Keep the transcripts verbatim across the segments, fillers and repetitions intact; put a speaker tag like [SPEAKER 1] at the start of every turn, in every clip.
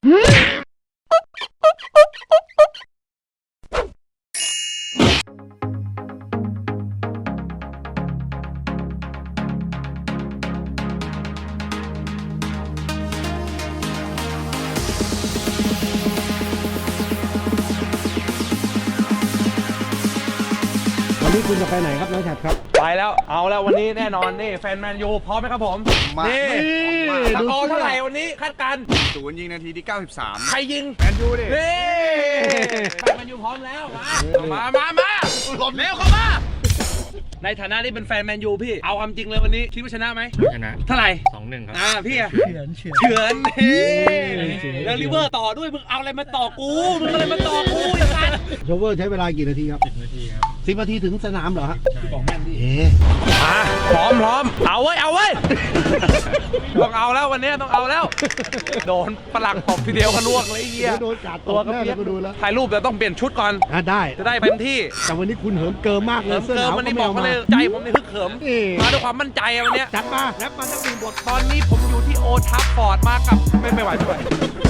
[SPEAKER 1] วันนี้คุณจะไปไหนครับน้องฉัดครับ
[SPEAKER 2] ไปแล้วเอาแล้ววันนี้แน่นอนนี่แฟนแมนยูพร้อมไหมครับผมนี่สกอร์เท่าไหร่วันนี้คาดการณ์
[SPEAKER 3] ศูนย์ยิงนาทีที่เก้าสิบสาม
[SPEAKER 2] ใครยิง
[SPEAKER 3] แมนยูดิ
[SPEAKER 2] นี่แฟนแมนยูพร้อมแล้วมามามาเร็วเข้ามาในฐานะที่เป็นแฟนแมนยูพี่เอาความจริงเลยวันนี้คิดว่าชนะไหม
[SPEAKER 4] ชนะ
[SPEAKER 2] เท่าไหร่
[SPEAKER 4] สองหนึ่งครับ
[SPEAKER 2] อ่าพี่อะ
[SPEAKER 1] เฉือนเฉือน
[SPEAKER 2] เฉือนแล้วลิเวอร์ต่อด้วยมึงเอาอะไรมาต่อกูมึงอะไรมาต่อกูอย่างนั้น
[SPEAKER 1] โชเวอร์ใช้เวลากี่นาทีครับ
[SPEAKER 4] สิบนาทีครับ
[SPEAKER 1] สิบนาทีถึงสนามเหรอฮะบอกแม่นดิเอ๊
[SPEAKER 2] มาพร้อมพร้อมเอาเว้ยเอาเว้ยต้องเอาแล้ววันนี้ต้องเอาแล้วโดนฝรั่งตบทีเดียวกันลวกเลยเหี้ย
[SPEAKER 1] โดนกาดตัวก็เปียกก็ดูแล้ว
[SPEAKER 2] ถ่ายรูปแต่ต้องเปลี่ยนชุดก่อน
[SPEAKER 1] อ่ะได้
[SPEAKER 2] จะได้เต็มที่
[SPEAKER 1] แต่วันนี้คุณเหิมเกิมมากเลย
[SPEAKER 2] เสื้อหนาววันนี้บอกมาเลยใจผมนี่ฮึกเหิมมาด้วยความมั่นใจวันนี้
[SPEAKER 1] จัดมาแรปมาตั้งหนึ่งบท
[SPEAKER 2] ตอนนี้ผมอยู่ที่โอทัฟฟอร์ดมากับไม่ไม่ไหวไม่ไหว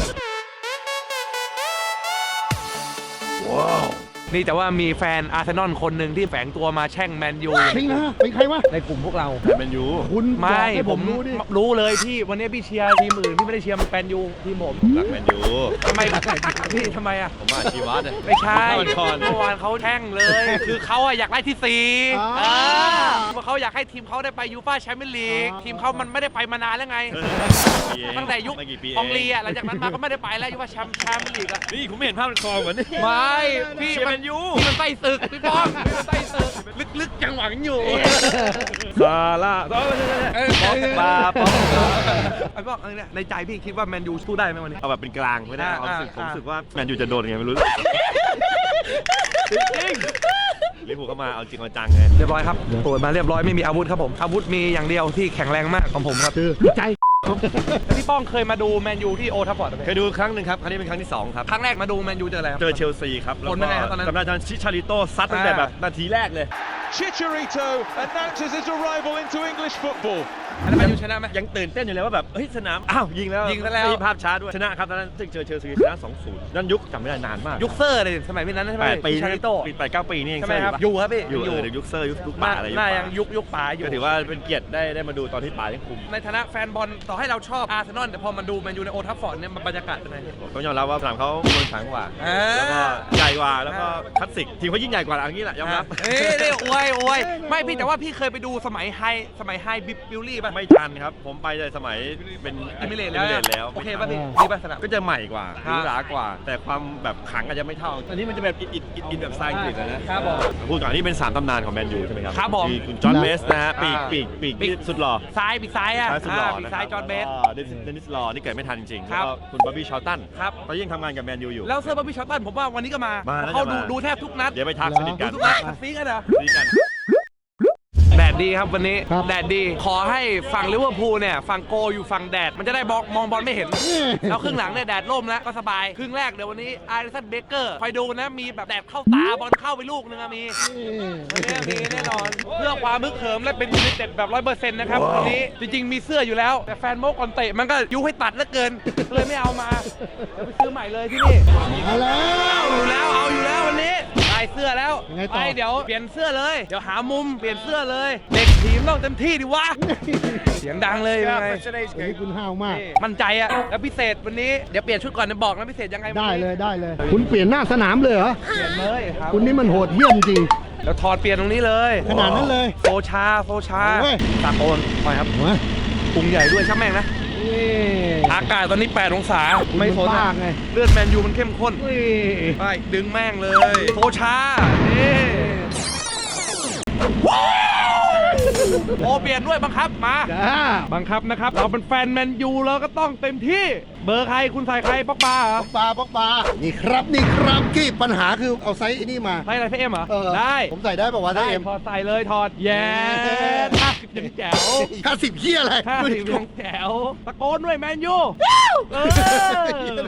[SPEAKER 2] ว้าวนี่แต่ว่ามีแฟนอาร์เซนอลคนหนึ่งที่แฝงตัวมาแช่งแมนยู
[SPEAKER 1] จริงนะเป็นใครวะ
[SPEAKER 2] ในกลุ่มพวกเรา
[SPEAKER 3] แมนยู
[SPEAKER 1] คุณ
[SPEAKER 2] ไม่ผมรู้ดิรู้เลยพี่วันนี้พี่เชียร์ทีมอื่นพี่ไม่ได้เชียร์แมนยูทีมผม
[SPEAKER 3] รักแมนยู
[SPEAKER 2] ทำไมพี่ทำไมอ่ะ
[SPEAKER 3] ผมมาชีวัต
[SPEAKER 2] ไม่ใช่เมื่อวานเขาแช่งเลยคือเขาอยากได้ที่สี่เพราะเขาอยากให้ทีมเขาได้ไปยูฟ่าแชมเปี้ยนลีกทีมเขามันไม่ได้ไปมานานแล้วไงตั้งแต่ยุคองลีอ่ะหลังจากนั้นมาก็ไม่ได้ไปแล้วยูฟ่าแชมเปี้ยนลีกอ่ะ
[SPEAKER 3] นี่ผมไม่เห็นภาพในคอเหมือน
[SPEAKER 2] ไม่พี่
[SPEAKER 3] แมนยู
[SPEAKER 2] มันไส้ศึกพี่ป้องมันไส้ศึกลึกๆยังหวังอยู่
[SPEAKER 3] ซาร่าปาปอง
[SPEAKER 2] ไอ้ป้องเนี่ยในใจพี่คิดว่าแมนยูสู้ได้ไหมวันนี้
[SPEAKER 3] เอาแบบเป็นกลางไม่ได้เอาสึกผมรู้สึกว่าแมนยูจะโดนไงไม่รู้จริงลิเวอร์พูลก็มาเอาจริงเอาจังไง
[SPEAKER 2] เรียบร้อยครับตรวจมาเรียบร้อยไม่มีอาวุธครับผมอาวุธมีอย่างเดียวที่แข็งแรงมากของผมครับ
[SPEAKER 1] คือใจ
[SPEAKER 2] พี่ป้องเคยมาดูแมนยูที่โอทัฟฟอร์ดไหม
[SPEAKER 3] เคยดูครั้งหนึ่งครับครั้งนี้เป็นครั้งที่สองครับ
[SPEAKER 2] ครั้งแรกมาดูแมนยูเจออะไร
[SPEAKER 3] เจอเชลซีครับ
[SPEAKER 2] แล้วก็
[SPEAKER 3] จำได้ตอนชิชาริโต้ซัดตั้งแต่แบบนาทีแรกเลย
[SPEAKER 5] Chicharito announces his arrival into English football
[SPEAKER 2] อันนั้นแมนยูชนะไหม
[SPEAKER 3] ยังตื่นเต้นอยู่เลยว่าแบบเฮ้ยสนามอ้าวยิงแล้ว
[SPEAKER 2] ยิงแล้ว
[SPEAKER 3] มีภาพช้าด้วยชนะครับตอนนั้นซึ่งเจอเชลซีชนะ สองศูนย์ นั่นยุคจำไม่ได้นานมาก
[SPEAKER 2] ยุคเซอร์เลยสมัยนั้นใช่ไหม
[SPEAKER 3] ปีชาริโต้ปีแปดเก้าปีนี่เอง
[SPEAKER 2] ใช่ไหมครับอยู่ครับพี่
[SPEAKER 3] อยู่เลยยุคเซอร์ยุคยุคป่าอะไร
[SPEAKER 2] น่ายังยุคยุคป่าอยู่
[SPEAKER 3] ก็ถือว่าเป็นเกียรติได้ได้มาดูตอนที่ป่ายังคุม
[SPEAKER 2] ในฐานะแฟนบอลต่อให้เราชอบอาร์เซนอลแต่พอมาดูแมนยูในโอทัฟฟอร์ดเนี่ยบรรยากาศเป็นไง
[SPEAKER 3] ต้องยอมรับว่าสนามเขาเมืองขังกว่าแล้วก็ใหญ่กว่าแล้วก็คลาสสิกทีมเขายิ่งใหญ่กว่าอย่างนี้แหละยอมรับ
[SPEAKER 2] เอ้ยอวยอวยไม่พี่แต่ว่าพี่เคยไปดูสมัยไฮสมัยไฮบิบิลลี่ป่ะ
[SPEAKER 3] ไม่ทันครับผมไปในสมัยเป็น
[SPEAKER 2] อิมิเลต
[SPEAKER 3] แล้ว
[SPEAKER 2] โอเคป่ะพี่ดีป่ะสนาม
[SPEAKER 3] ก็จะใหม่กว่าหรูหรากว่าแต่ความแบบขังอาจจะไม่เท่าอันนี้มันจะแบบอินอินแบบสไตล์อังกฤษ
[SPEAKER 2] นะครับผม
[SPEAKER 3] พูดก่อนนี่เป็นสามตำนานของแมนยูใช่ไหมครับ
[SPEAKER 2] ครับผม
[SPEAKER 3] คุณจอห์นเบสนะฮะปีกปีกปีกสุดหล่อ
[SPEAKER 2] ซ้ายปีกซ้ายอ่ะ
[SPEAKER 3] สุดหล่อ
[SPEAKER 2] ปีกซ้ายจอห์นเบส
[SPEAKER 3] เดนิสลอนี่เกิดไม่ทันจริงๆแล้วก็คุณบ๊อบบี้ชอลตัน
[SPEAKER 2] ครับ
[SPEAKER 3] ตอนยังทำงานกับแมนยูอยู่
[SPEAKER 2] แล้วเซอร์บ๊อบบี้ชอลตันผมว่าวันนี้ก็มาเขาดูดูแทบทุกนัด
[SPEAKER 3] เดี๋ยวไปทักสนิทกัน
[SPEAKER 2] ทุกนัดซีกันเหรอ
[SPEAKER 3] ซีกัน
[SPEAKER 2] แดดดีครับวันนี้แดดดีขอให้ฝั่งลิเวอร์พูลเนี่ยฝั่งโกอยู่ฝั่งแดดมันจะได้มองมองบอลไม่เห็นแล้วครึ่งหลังเนี่ยแดดร่มแล้วก็สบายครึ่งแรกเดี๋ยววันนี้อาริสันเบเกอร์คอยดูนะมีแบบแดดเข้าตาบอลเข้าไปลูกนึงมีมีแน่นอนเพื่อความมึกเขิมและเป็นยูไนเต็ดแบบร้อยเปอร์เซ็นต์นะครับวันนี้จริงๆมีเสื้ออยู่แล้วแต่แฟนโมกอนเตะมันก็ยุให้ตัดเหลือเกินเลยไม่เอามาเดี๋ยวไปซื้อใหม่เลยที่นี่
[SPEAKER 1] เอาแล้ว
[SPEAKER 2] เอาอยู่แล้วเอาอยู่แล้ววันนี้ได้เสื้อแล้วไปเดี๋ยวเปลี่ยนเสื้อเลยเดี๋ยวหามุมเปลี่ยนเสื้อเลยเด็กทีมต้องเต็มที่ดิวะเสียงดังเลยยังไง
[SPEAKER 1] วันนี้คุณห้าวมาก
[SPEAKER 2] มั่นใจอะแล้วพิเศษวันนี้เดี๋ยวเปลี่ยนชุดก่อนจะบอกนะพิเศษยังไง
[SPEAKER 1] ได้เลยได้เลยคุณเปลี่ยนหน้าสนามเลยเหรอ
[SPEAKER 2] เปลี่ยนเลยครับ
[SPEAKER 1] คุณนี่มันโหดเหี้ยมจริง
[SPEAKER 2] เดี๋ยวถอดเปลี่ยนตรงนี้เลย
[SPEAKER 1] ขนาดนั้นเลย
[SPEAKER 2] โซชาโซชาตาโกนไปครับพุงใหญ่ด้วยช่างแม่งนะอากาศตอนนี้แปดองศาไม่โซนไงเลือดแมนยูมันเข้มข้นไปดึงแม่งเลยโซชานี่โอเปลี่ยนด้วยบังคับมาบังคับนะครับเราเป็นแฟนแมนยูเราก็ต้องเต็มที่เบอร์ใครคุณใส่ใครป๊อกบา
[SPEAKER 1] ป๊อกบาป๊อกบานี่ครับนี่ครับที่ปัญหาคือเอาไซส์ไอ้นี่มา
[SPEAKER 2] ไซส์อะไรพี่เอ็มเหรอได้
[SPEAKER 1] ผมใส่ได้ป่าววะได้
[SPEAKER 2] พอใส่เลยถอดแย่ห้าสิบยังแจ๋ว
[SPEAKER 1] ห้าสิบเหี้ยอะไร
[SPEAKER 2] ห้าสิบยังแจ๋วตะโกนด้วยแมนยูเออมา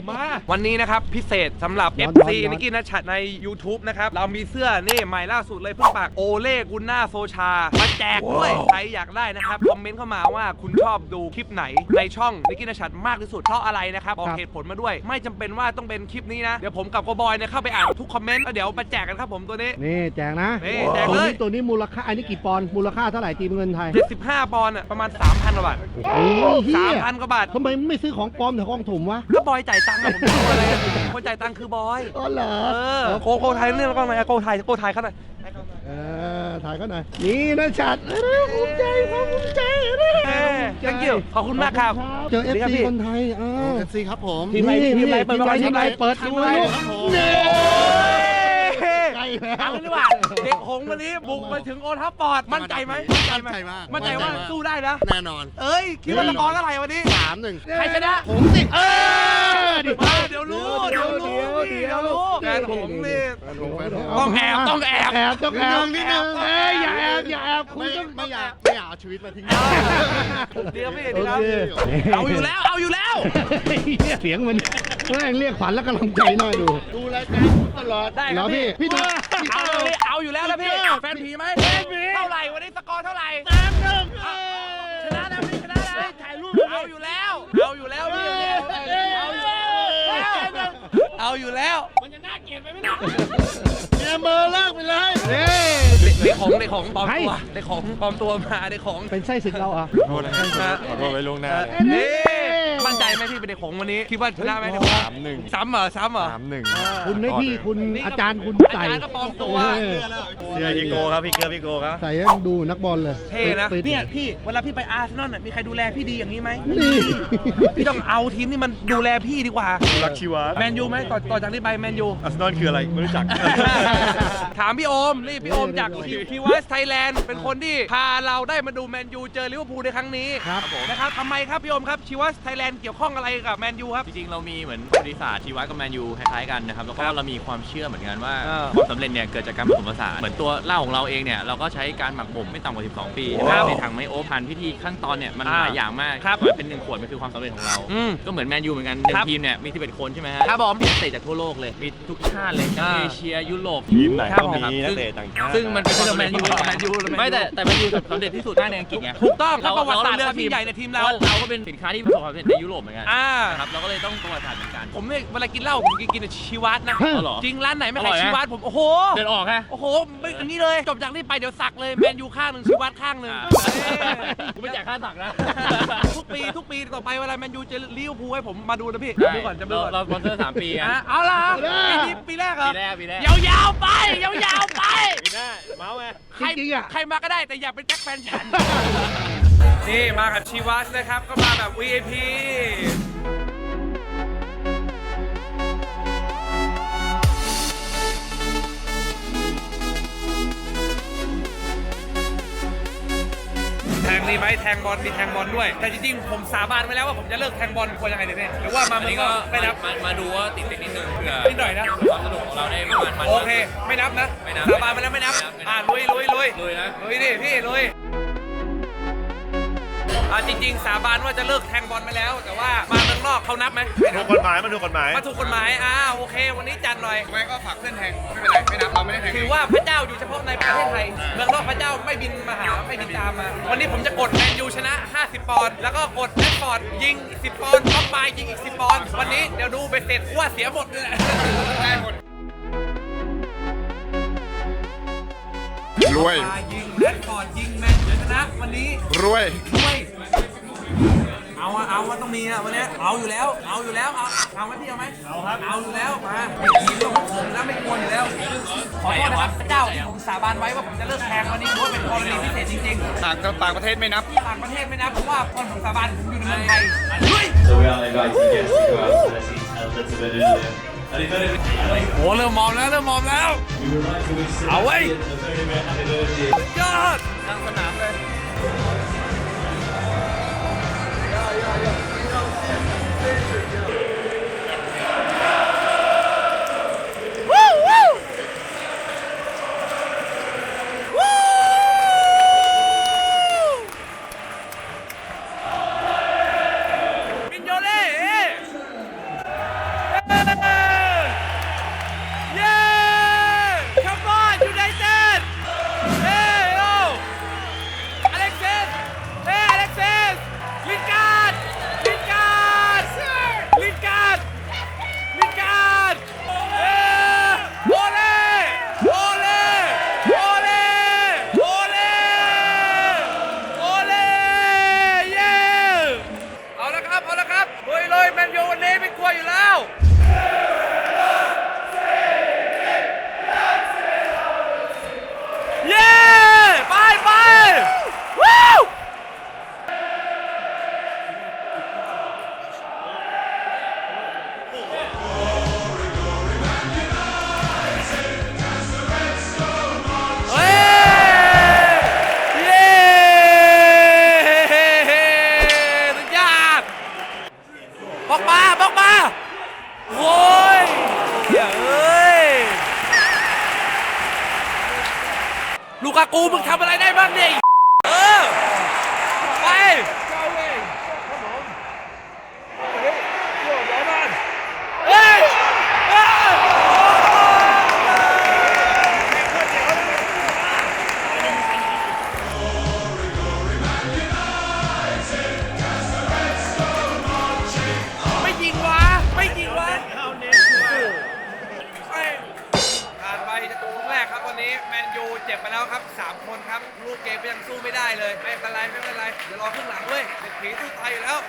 [SPEAKER 2] วันนี้นะครับพิเศษสำหรับ
[SPEAKER 1] ร้
[SPEAKER 2] เอ
[SPEAKER 1] อน
[SPEAKER 2] ฟ
[SPEAKER 1] ร้อน
[SPEAKER 2] ซี
[SPEAKER 1] ร้อน
[SPEAKER 2] นิกกี้นัชชัดใน YouTube นะครับเรามีเสื้อนี่ใหม่ล่าสุดเลยเพิ่งปากโอเล่กุนน่าโซชามาแจกด้วยใครอยากได้นะครับคอมเมนต์เข้ามาว่าคุณชอบดูคลิปไหนในช่องนิกกี้นัชชัดมากที่สุดเพราะอะไรนะครับบอกเหตุผลมาด้วยไม่จำเป็นว่าต้องเป็นคลิปนี้นะเดี๋ยวผมกับโกบอยเนี่ยเข้าไปอ่านทุกคอมเมนต์แล้วเดี๋ยวมาแจกกันครับผมตัวนี้
[SPEAKER 1] นี่แจกนะ
[SPEAKER 2] นี่แจก
[SPEAKER 1] ตัว
[SPEAKER 2] เลย
[SPEAKER 1] นี้ตัวนี้มูลค่าอันนี้กี่ปอนด์มูลค่าเท่าไหร่ตีเป็นเงินไทย
[SPEAKER 2] เจ็ดสิบห้าปอนด์อะประมาณ สามพัน กว่าบาท
[SPEAKER 1] โอ้ยเฮี
[SPEAKER 2] สาม
[SPEAKER 1] ย
[SPEAKER 2] พัน กว่าบาท
[SPEAKER 1] ทำไมไม่ซื้อของปลอมแต่ของถุงวะ
[SPEAKER 2] ก็บอยจ่ายตังค์อะผมจะดูอะไรอะคนจ่ายตังค์คือบอย
[SPEAKER 1] อ๋อเหรอ
[SPEAKER 2] เออโกโกไทยเรื่องแล้วก็มาโกไทยโกไทยเขาหน่อย
[SPEAKER 1] เออถ่ายเขาหน่อยนี่นะชัดเออภูมิใจครับภูมิใจนะ
[SPEAKER 2] เออ thank you ขอบคุณมากครับ
[SPEAKER 1] เจอ เอฟ
[SPEAKER 2] ดีครับ
[SPEAKER 1] ซี
[SPEAKER 2] พี่
[SPEAKER 1] คนไทยเออ
[SPEAKER 4] เอฟซีครับผม
[SPEAKER 2] ทีมอะไรทีมอะไรเปิดประมาณ
[SPEAKER 1] ทีมอะไร
[SPEAKER 2] ทีมอะไร
[SPEAKER 1] เปิดดูลูก
[SPEAKER 4] ครับผม
[SPEAKER 1] นี่
[SPEAKER 2] เฮ้ย
[SPEAKER 1] ใกล้แล้ว
[SPEAKER 2] เอาเลยดีกว่าเด็กหงส์วันนี้บุกมาถึงโอทัฟฟอร์ดมั่นใจไหม
[SPEAKER 4] มั่นใจมาก
[SPEAKER 2] มั่นใจว่าสู้ได้นะ
[SPEAKER 4] แน่นอน
[SPEAKER 2] เอ้ยคิดว่าสกอร์เท่าไหร่วันนี้
[SPEAKER 4] สามหนึ่ง
[SPEAKER 2] ใครชนะ
[SPEAKER 1] ผมสิเออ
[SPEAKER 2] มาเดี๋ยวรู้เดี๋ยวรู้
[SPEAKER 1] เดี๋
[SPEAKER 2] เดี๋
[SPEAKER 1] ย
[SPEAKER 2] ยว วรู้แฟนผมนี่
[SPEAKER 1] ต้
[SPEAKER 2] ต้
[SPEAKER 1] อ
[SPEAKER 2] อง ง
[SPEAKER 1] แอ
[SPEAKER 2] แอ
[SPEAKER 1] บบ ต้
[SPEAKER 2] ต้
[SPEAKER 1] อ
[SPEAKER 2] อง ง
[SPEAKER 1] แอ
[SPEAKER 2] แอ
[SPEAKER 1] บบ แอบต้องแอบ
[SPEAKER 4] นิดนึง
[SPEAKER 1] เอ้ยอย่าแอบอย่าแอบคุณ
[SPEAKER 4] ไม่
[SPEAKER 1] ต้อง
[SPEAKER 4] ไม่อยากไม่อยากเอาชีวิตมาทิ้ง
[SPEAKER 2] เดี๋ยวพี่
[SPEAKER 1] โอ
[SPEAKER 2] เดี๋ยว
[SPEAKER 1] เค
[SPEAKER 2] เอาอยู่แล้วเอาอยู่แล้ว
[SPEAKER 1] เสียงมันแม่งเรียกขวัญและกำลังใจหน่อยดู
[SPEAKER 4] ดูรายการตลอด
[SPEAKER 2] ได้ค
[SPEAKER 1] แล้
[SPEAKER 2] รับ
[SPEAKER 1] วพี่
[SPEAKER 2] พี่
[SPEAKER 1] พี่ดู
[SPEAKER 2] เอาเลยเอาอยู่แล้วนะพี่แฟนผีไหมเท่าไหร่วันนี้สกอร์เท่าไหร่
[SPEAKER 4] สามหนึ่ง
[SPEAKER 2] ชนะแล้วพี่ชนะแล้วถ่ายรูปเอาอยู่แล้วเอาอยู่แล้วพี่เอาอยู่แล้วเอาอยู่แล้วมันจะน่าเกลียดไปไหมเนี่ย
[SPEAKER 4] เกมเบอร์เลิกไปเลย
[SPEAKER 1] เฮ้ย
[SPEAKER 2] เด็กของเด็กของปลอมตัวเด็กของปลอมตัวมาเด็กของ
[SPEAKER 1] เป็นไส้ศึกเราเหรอ่ะ
[SPEAKER 3] ขอโทษนะครับขอโทษไว้ล่วงหน้าเลย
[SPEAKER 2] นี่มั่นใจไหมพี่เป็นเด็กของวันนี้คิดว่าชนะไหมเด็กของ
[SPEAKER 3] สามหนึ่ง
[SPEAKER 2] ซ้ำเหรอซ้ำเหรอ
[SPEAKER 3] สามหนึ่ง
[SPEAKER 1] คุณให้พี่คุณอาจารย์คุณ
[SPEAKER 2] อา
[SPEAKER 1] ใส่
[SPEAKER 2] จารย์ก็ปลอมตัว
[SPEAKER 1] เออ
[SPEAKER 3] เสื้อพี่โกครับพี่เกลือพี่โกครับ
[SPEAKER 1] ใส่ให้ดูนักบอลเลย
[SPEAKER 2] เท่นะ
[SPEAKER 1] ปิด
[SPEAKER 2] เนี่ยพี่เวลาพี่ไปอาร์เซนอลน่ะมีใครดูแลพี่ดีอย่างนี้ไหม
[SPEAKER 1] นี่
[SPEAKER 2] พี่ต้องเอาทีมที่มันดูแลพี่ดีกว่า
[SPEAKER 3] รักชีวะ
[SPEAKER 2] แมนยูไหมต่อต่อจากนี้ไปแมนยู
[SPEAKER 3] อาร์เซนอลคืออะไรไม่รู้จัก
[SPEAKER 2] ถามพี่โอมนี่พี่โอมจากทีวัสไทยแลนด์เป็นคนที่พาเราได้มาดูแมนยูเจอลิเวอร์พูลในครั้งนี้
[SPEAKER 1] ครับ
[SPEAKER 2] นะครับทำไมครับพี่โอมครับชีวัสไทยแลนด์เกี่ยวข้องอะไรกับแมนยูครับ
[SPEAKER 6] จริงๆ เรามีเหมือนประวัติศาสตร์ชีวะกับแมนยูคล้ายๆกันนะครับแล้วก็เรามีความเชื่อเหมือนกันว่า
[SPEAKER 2] อ่า
[SPEAKER 6] ความสำเร็จเนี่ยเกิดจากการผสมผสานเหมือนตัวเหล้าของเราเองเนี่ยเราก็ใช้การหมักบ่มไม่ต่ำกว่า สิบสอง ปี
[SPEAKER 2] ครับ
[SPEAKER 6] ในถังไมโอพันพิธีขั้นตอนเนี่ยมัน
[SPEAKER 2] อ่า
[SPEAKER 6] หลายอย่างมาก
[SPEAKER 2] ครับ
[SPEAKER 6] กว่าเป็นหนึ่งขวดมันคือความสำเร็จของเรา
[SPEAKER 2] อืม
[SPEAKER 6] ก็เหมือนแมนยูเหมือนกันหนึ่
[SPEAKER 2] ครั
[SPEAKER 6] ง
[SPEAKER 2] บ
[SPEAKER 6] ทีมเนี่ยมีสิบเอ็ดคนใช่ไหมฮะ
[SPEAKER 2] ครับผม
[SPEAKER 6] มีนักเตะจากทั่วโลกเลยมีทุกชาติเลยทั้ง
[SPEAKER 2] อ่า
[SPEAKER 6] เอเชียยุโรป
[SPEAKER 3] ทีมไหน
[SPEAKER 6] ครับ
[SPEAKER 3] ก็มี
[SPEAKER 6] ผม
[SPEAKER 3] นักเตะต่างชาติ
[SPEAKER 6] ซึ่งมันเป็นความสำเร็จของเรา
[SPEAKER 2] แมนยูแมนยู
[SPEAKER 6] ไม่แต่แต่แมนยูสำเร็จที่สุดมากในอังกฤษไง
[SPEAKER 2] ถูกต้อง
[SPEAKER 6] เรา
[SPEAKER 2] แล้วประวัติศาสตร์
[SPEAKER 6] เลื
[SPEAKER 2] ความยิ่งใหญ่ในทีมเรา
[SPEAKER 6] เราก็เป็นสินค้าที่ประสบความสำเร็จในยุโรปเหมือนกัน
[SPEAKER 2] อ่า
[SPEAKER 6] นะครับเราก็เลยต้องประวัติศาสตร์เหมือนกัน
[SPEAKER 2] ผมเนี่ยเวลากินเหล้าผมกินกินแต่ชีวัตนะ
[SPEAKER 6] อ๋อเหรอ
[SPEAKER 2] จริงร้านไหนไม่
[SPEAKER 6] อร่
[SPEAKER 2] ขาย
[SPEAKER 6] อยไหม
[SPEAKER 2] ชีวัตผมโอ้โห
[SPEAKER 6] เดินออกฮะ
[SPEAKER 2] โอ้โหไม่อันนี้เลยจบจากนี้ไปเดี๋ยวสักเลยแมนยูข้างหนึ่งชีวัตข้างหนึ่ง
[SPEAKER 6] อ่า
[SPEAKER 2] เอ้ย
[SPEAKER 6] กูไม่จ่ายค่าตักนะ
[SPEAKER 2] ทุกปีทุกปีต่อไปเวลาแมนยูเจะลิเวอร์พูลให้ผมมาดูนะพี่
[SPEAKER 6] ใช่
[SPEAKER 2] ดูก่อนจะดูก่อน
[SPEAKER 6] เราเราสปอนเซอร์สามปีไง
[SPEAKER 2] อ่ะเอาล่ะปีนี้ปีแรกเหรอ
[SPEAKER 6] ปีแรกปีแรก
[SPEAKER 2] ยาวๆไปยาวๆไป
[SPEAKER 3] ปีหน้าเมาส์ไง
[SPEAKER 2] ใคร
[SPEAKER 1] จริงๆอ่ะ
[SPEAKER 2] ใครมาก็ได้แต่อย่าเป็นแจ็คแฟนฉัน นี่มากับชีวัสนะครับก็มาแบบ วี ไอ พี แทงนี่ไหมแทงบอลมีแทงบอลด้วย แต่จริงๆ ผมสาบานไว้แล้วว่าผมจะเลิกแทงบอลควรยังไงดีเนี่ยหรือว่ามา
[SPEAKER 6] อัน
[SPEAKER 2] เมือง
[SPEAKER 6] นี้
[SPEAKER 2] น
[SPEAKER 6] ก็
[SPEAKER 2] อกไม่นับ
[SPEAKER 6] มามาดูว่าติดติดนิดนึงเพื่อ
[SPEAKER 2] นิดหน่อยนะ
[SPEAKER 6] ความสนุกของเราได้ประมาณมัน
[SPEAKER 2] โอเค ไม่นับนะ
[SPEAKER 6] ไม่นับ
[SPEAKER 2] สาบานไปแล้วไม่นับ
[SPEAKER 6] ไม่นับ
[SPEAKER 2] อ่าลุยลุยลุย
[SPEAKER 6] ลุยนะ
[SPEAKER 2] ลุยดิพี่ลุยอ่าจริงๆ สาบานว่าจะเลิกแทงบอลไปแล้ว แต่ว่ามาเมืองนอกเขานับไหมไม่นั
[SPEAKER 3] ถู
[SPEAKER 2] บ
[SPEAKER 3] กกฎหมายมันถูกกฎหมาย
[SPEAKER 2] มาถูกกฎหมายอ่าโอเค วันนี้จัดหน่อย
[SPEAKER 4] ไม่ก็ฝากเพื่อนแทงไม่เป็นไรไม่นับเราไม่ได้แทง
[SPEAKER 2] ถือว่าพระเจ้าอยู่เฉพาะในประเทศไทย เมืองนอกพระเจ้าไม่บินมาหาไม่บินตามมา วันนี้ผมจะกดแมนยูชนะ ห้าสิบ ปอนด์ แล้วก็กดแรดฟอร์ดยิงอีกสิบปอนด์ท็อปไมยิงอีกสิบปอนด์ วันนี้เดี๋ยวดูไปเสร็จว่าเสียหมดเลย
[SPEAKER 4] ได้หมดรวย
[SPEAKER 2] มายิงแรดฟอร์ดยิงแมนยูชนะวันนี้
[SPEAKER 4] รวย
[SPEAKER 2] ด้วยเอาอะเอาว่าต้องมีอะวันนี้เอาอยู่แล้ว เอาอยู่แล้ว เอาเอาไหมพี่เอาไหมเอาครับ เอาอยู่แล้ว มาไม่ทีมต้องผมนะไม่กลัวอยู่แล้ว ขอโทษนะครับพระเจ้าที่ผมสาบานไว้ว่าผมจะเลิกแทงวันนี้เพราะว่าเป็นกรณีพิเศษจริง
[SPEAKER 4] ต่างต่างประเทศไม่นับ
[SPEAKER 2] ๆ ต่างประเทศไม่นะเพราะว่าตอนผมสาบานผมอยู่ในเมืองไทยลุย
[SPEAKER 7] So we are inviting guests to go out to their seats a little bit earlier. And if anybody
[SPEAKER 2] โอ้เริ่มมอมแล้วเริ่มมอมแล้ว
[SPEAKER 7] we would like to wish
[SPEAKER 2] Ah, wait.
[SPEAKER 7] Sebastian a very, very happy birthday.
[SPEAKER 2] ยอดทางสนามเลยวู้วู้วู้มินโยเล่เอ้เอ้กากูมึงทำอะไรได้บ้างเนี่ยเออไปเฮ้ยไม่ยิงวะไม่ยิงวะผ่านไปจะตัวแรกครับวันนี้แมนยูเจ็บไปแล้วครับสามคนครับลูกเกมก็ยังสู้ไม่ได้เลยไม่เป็นไรไม่เป็นไรเดี๋ยวรอครึ่งหลังด้วยเด็กผีสู้ไทยอยู่แล้ว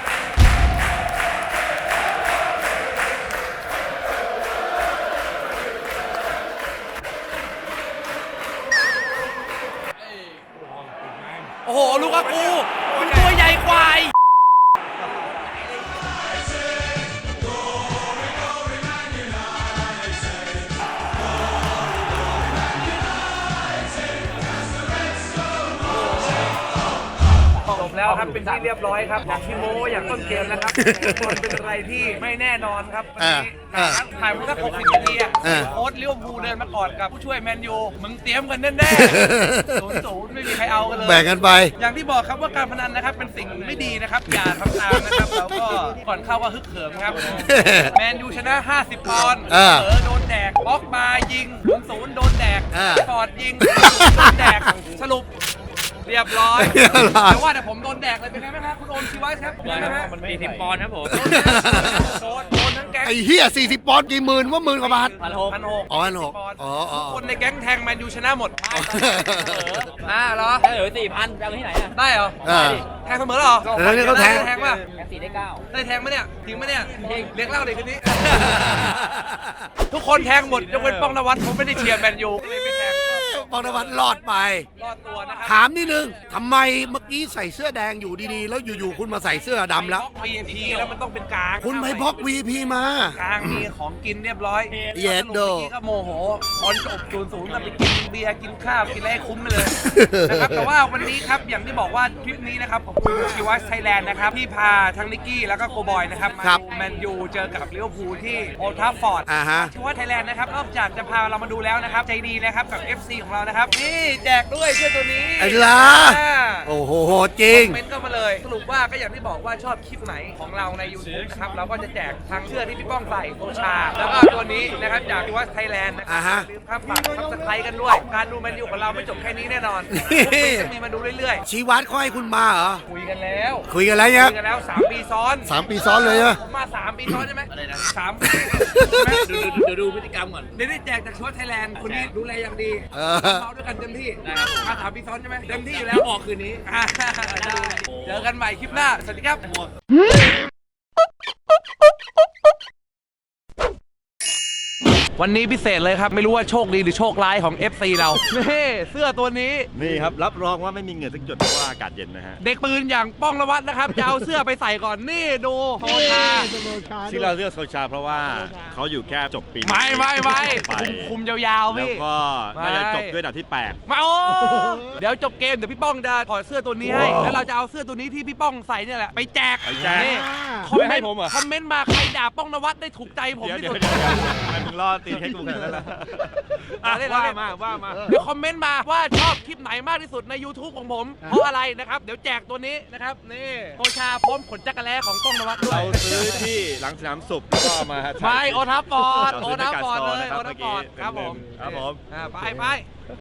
[SPEAKER 2] โอ้โหลูกอากูมันตัวใหญ่กว่าจบแล้วครับเป็นที่เรียบร้อยครับอย่างที่โม้อย่างต้นเกมนะครับมันเป็นอะไรที่ไม่แน่นอนครับวันนี้ถ่ายมาสักหกสิบนาทีอ่ะโค้ชลิเวอร์พูลเดินมาก่อนกับผู้ช่วยแมนยูมึงเตรียมกันแน่ๆศูนย์ศูนย์ไม่มีใครเอากันเลย
[SPEAKER 1] แบ่งกันไป
[SPEAKER 2] อย่างที่บอกครับว่าการพนันนะครับเป็นสิ่งไม่ดีนะครับอย่าทำตามนะครับแล้วก็ก่อนเข้าว่าฮึกเหิมครับแมนยูชนะห้าสิบปอนด์เออโดนแดกบล็อกมายิงศูนย์ศูนย์โดนแดกฟอร์ดยิงโดนแดกสรุปเรียบร้อยแต่ว่าแต่ผมโดนแดกเลยเป็นไงบ้างครับคุณโอมชีวะครับเป็นไงบ้างครับ
[SPEAKER 6] สี่สิบปอนด์ครับผม
[SPEAKER 2] โดนโดนทั้งแก๊ง
[SPEAKER 1] ไอ้เหี้ยสี่สิบปอนด์กี่หมื่นว่าหมื่นกว่าบาท
[SPEAKER 2] พันหกพันหก
[SPEAKER 1] อ๋อพันหกอ๋ออ๋อ
[SPEAKER 2] คนในแก๊งแทงแมนยูชนะหมดอ่าเหรอ
[SPEAKER 6] ได้เหลือสี่พันจะเอาที่ไหนอ่ะ
[SPEAKER 2] ได้เหรอแทงเสมอเหรอ
[SPEAKER 1] เออเนี่ยเขาแทง
[SPEAKER 2] แทงป่ะ
[SPEAKER 6] แค่สี่ได้เก้า
[SPEAKER 2] ได้แทงไหมเนี่ยจริงไหมเนี่ยเลี้ยงเหล้าเด็กคนนี้ทุกคนแทงหมดยกเว้นป้องนวัดผมไม่ได้เชียร์แมนยูเลยไม่แทง
[SPEAKER 1] ปองนวัดรอดไป
[SPEAKER 2] รอดตัวนะครับ
[SPEAKER 1] ถามนิดนึงทำไมเมื่อกี้ใส่เสื้อแดงอยู่ดีๆแล้วอยู่ๆคุณมาใส่เสื้อดำแล้ว
[SPEAKER 2] วี ไอ พี แล้วมันต้องเป็นกลาง
[SPEAKER 1] คุณไปบล็อก วี พี มาก
[SPEAKER 2] ลางมีของกินเรียบร้อย
[SPEAKER 1] เย็ดโด
[SPEAKER 2] เมื่อกี้ก็โมโหตอนจบศูนย์ศูนย์ก็ไปกินเบียร์กินข้าวกินอะไรให้คุ้มไปเลยนะครับแต่ว่าวันนี้ครับอย่างที่บอกว่าทริปนี้นะครับขอบคุณชีวะไทยแลนด์นะครับที่พาทั้งนิกกี้แล้วก็โกบอยนะครับมาดูแมนยูเจอกับลิเวอร์พูลที่โอลด์แทราฟฟอร์ด
[SPEAKER 1] อ่าฮะ
[SPEAKER 2] ชีวะไทยแลนด์นะครับนอกจากจะพาเรามาดูแล้วนะครับใจดีนะครับกับ เอฟ ซี ของเรานะครับนี่แจกด้วยเสื้อตัวนี้
[SPEAKER 1] ไอ้ล่ะโอ้โหโหจริง
[SPEAKER 2] คอมเมนต์ก็มาเลยสรุปว่าก็อย่างที่บอกว่าชอบคลิปไหนของเราใน YouTube นะครับเราก็จะแจกทั้งเสื้อที่พี่ป้องใส่โซชาแล้วก็ตัวนี้นะครับจากที่ว่าไทยแลนด์นะครั
[SPEAKER 1] อ่าฮะ
[SPEAKER 2] ลืมครับฝากซับสไครต์กันด้วยการดูแมนยูของเราไม่จบแค่นี้แน่นอนจะมีมาดูเรื่อยๆ
[SPEAKER 1] ชีวัตเขาให้คุณมาเหรอ
[SPEAKER 2] คุยกันแล้ว
[SPEAKER 1] คุยกันแล้วเนี่ย
[SPEAKER 2] คุยกันแล้วสามปีซ้อน
[SPEAKER 1] สามปีซ้อนเลยอะ
[SPEAKER 2] ผมมาสามปีซ้อนใช่ไหมอะไรนะสาม
[SPEAKER 6] ดูดูดูดูพฤติกรรมก่อน
[SPEAKER 2] เดี๋ยวได้แจกจากชัวไทยแลนด์คนนี้ดูแลอย่างดี
[SPEAKER 1] เออ
[SPEAKER 2] เราด้วยกันเต็มที่มาสามปีซ้อนใช่ไหมเต็มที่อยู่แล้วออกคืนนี้อ่าเจอกันใหม่คลิปหน้าสวัสดีครับวันนี้พิเศษเลยครับไม่รู้ว่าโชคดีหรือโชคร้ายของ เอฟ ซี เรานี่เสื้อตัวนี้
[SPEAKER 3] นี่ครับ รับรองว่าไม่มีเหงื่อสักหยดเพราะว่าอากาศเย็นนะฮะ
[SPEAKER 2] เด็กปืนอย่างป้องนวัดนะครับจะเอาเสื้อไปใส่ก่อนนี่ดูโซชา
[SPEAKER 3] ที่เราเลือกโซชาเพราะว่าเขาอยู่แค่จบปี
[SPEAKER 2] ไม่ไม่ไม่
[SPEAKER 3] ไป
[SPEAKER 2] คุมคุมยาวๆ
[SPEAKER 3] แล้ว
[SPEAKER 2] พี่
[SPEAKER 3] ก็น่าจะจบด้วยอันดับที่แปด
[SPEAKER 2] มาโอ้เดี๋ยวจบเกมเดี๋ยวพี่ป้องจะถอดเสื้อตัวนี้ให้แล้วเราจะเอาเสื้อตัวนี้ที่พี่ป้องใส่เนี่ยแหละไปแจก
[SPEAKER 3] ไปแจก
[SPEAKER 2] นี่คอมเมนต์คอมเมนต์มาใครด่าป้องนวัดได้ถูกใจผม
[SPEAKER 3] เดี๋ยว
[SPEAKER 2] ที่
[SPEAKER 3] เดี๋ยว
[SPEAKER 2] สุด
[SPEAKER 3] เดี๋ยวมึงรอตีให้กูขนาดนั้นแล้วว่ามาว่ามา
[SPEAKER 2] เดี๋ยวคอมเมนต์มาว่าชอบคลิปไหนมากที่สุดใน YouTube ของผมเพราะอะไรนะครับเดี๋ยวแจกตัวนี้นะครับนี่โซชาพร้อมขนจักรแล้ของป้องนวัดด้วย
[SPEAKER 3] เราซื้อที่หลังสนามสุขแล้วก็เอามา
[SPEAKER 2] ไม่โอทัฟฟอร์ด
[SPEAKER 3] เรา
[SPEAKER 2] โอ
[SPEAKER 3] ซื้อ
[SPEAKER 2] ทัฟฟอร์ด
[SPEAKER 3] ที่
[SPEAKER 2] เลย
[SPEAKER 3] การ
[SPEAKER 2] โอ
[SPEAKER 3] โซน
[SPEAKER 2] ทัฟฟอร์ด
[SPEAKER 3] นะครับ
[SPEAKER 2] ครับผม
[SPEAKER 3] ครับผม
[SPEAKER 2] อ่าไปไป